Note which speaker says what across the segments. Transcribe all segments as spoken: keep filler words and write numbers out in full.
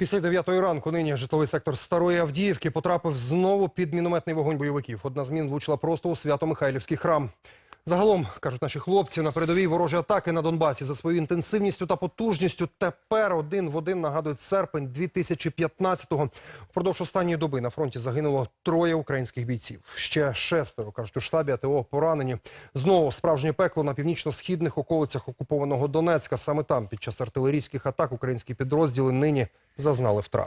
Speaker 1: Після дев'ятої ранку нині житловий сектор Старої Авдіївки потрапив знову під мінометний вогонь бойовиків. Одна з мін влучила просто у Свято-Михайлівський храм. Загалом, кажуть наші хлопці, на передовій ворожі атаки на Донбасі за своєю інтенсивністю та потужністю тепер один в один нагадують серпень дві тисячі п'ятнадцятого. Впродовж останньої доби на фронті загинуло троє українських бійців. Ще шестеро, кажуть у штабі АТО, поранені. Знову справжнє пекло на північно-східних околицях окупованого Донецька. Саме там під час артилерійських атак українські підрозділи нині зазнали втрат.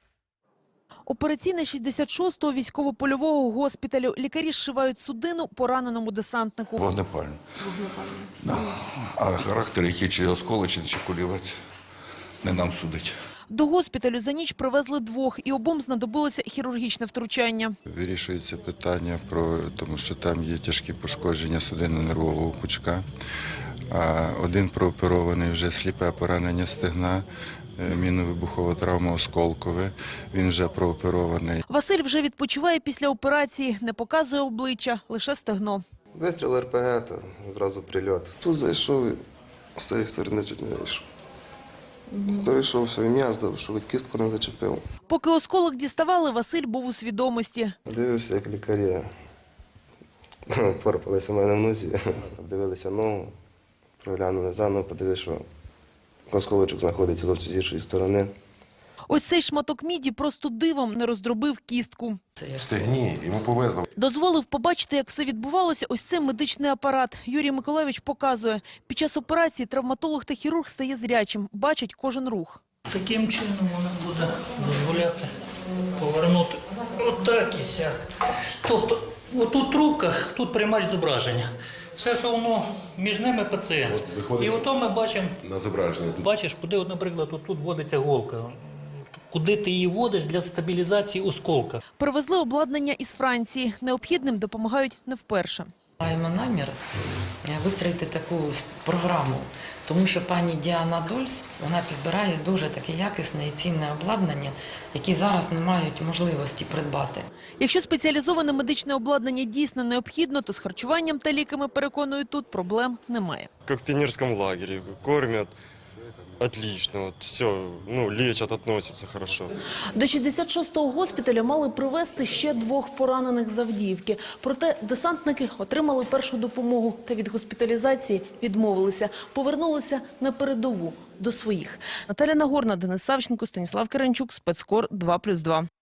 Speaker 2: Операційна шістдесят шостого військово-польового госпіталю. Лікарі зшивають судину пораненому десантнику.
Speaker 3: Вогнепальне. Да. А характер, який чи осколочний, чи кулівець, не нам судить.
Speaker 2: До госпіталю за ніч привезли двох, і обом знадобилося хірургічне втручання.
Speaker 4: Вирішується питання, про, тому що там є тяжкі пошкодження судинно-нервового пучка. А один прооперований, вже сліпе поранення стегна, мінно-вибухова травма осколкове, він вже прооперований.
Speaker 2: Василь вже відпочиває після операції, не показує обличчя, лише стегно.
Speaker 5: Вистріл РПГ, то зразу прильот. Тут зайшов і з цієї сторони чуть не вийшов. Перейшов свій м'яз, що від кістку не зачепив.
Speaker 2: Поки осколок діставали, Василь був у свідомості.
Speaker 5: Дивився, як лікарі порпалися в мене в нозі, дивилися ногу, проглянули заново, подивилися, що осколочок знаходиться зовсім з іншої сторони.
Speaker 2: Ось цей шматок міді просто дивом не роздробив кістку.
Speaker 6: Стегні, йому повезло.
Speaker 2: Дозволив побачити, як все відбувалося, ось цей медичний апарат. Юрій Миколайович показує. Під час операції травматолог та хірург стає зрячим, бачить кожен рух.
Speaker 7: Таким чином вона буде дозволяти повернути отак і сяк. Тобто, отут трубка, тут приймач зображення. Все, що воно між ними пацієнт. І ото ми бачимо,
Speaker 6: На зображенні.
Speaker 7: бачиш, куди, от, наприклад, от тут вводиться голка. Куди ти її вводиш для стабілізації осколка.
Speaker 2: Привезли обладнання із Франції. Необхідним допомагають не вперше.
Speaker 8: Маємо намір вистроїти таку програму, тому що пані Діана Дольс, вона підбирає дуже таке якісне і цінне обладнання, яке зараз не мають можливості придбати.
Speaker 2: Якщо спеціалізоване медичне обладнання дійсно необхідно, то з харчуванням та ліками, переконують тут, проблем немає.
Speaker 9: Как в пионерском лагере, кормят отлично, вот все, ну, лечат, относятся хорошо.
Speaker 2: До шістдесят шостого госпіталя мали привезти ще двох поранених з Авдіївки. Проте десантники отримали першу допомогу та від госпіталізації відмовилися. Повернулися на передову, до своїх. Наталя Нагорна, Денис Савченко, Станіслав Керенчук, Спецкор два плюс два.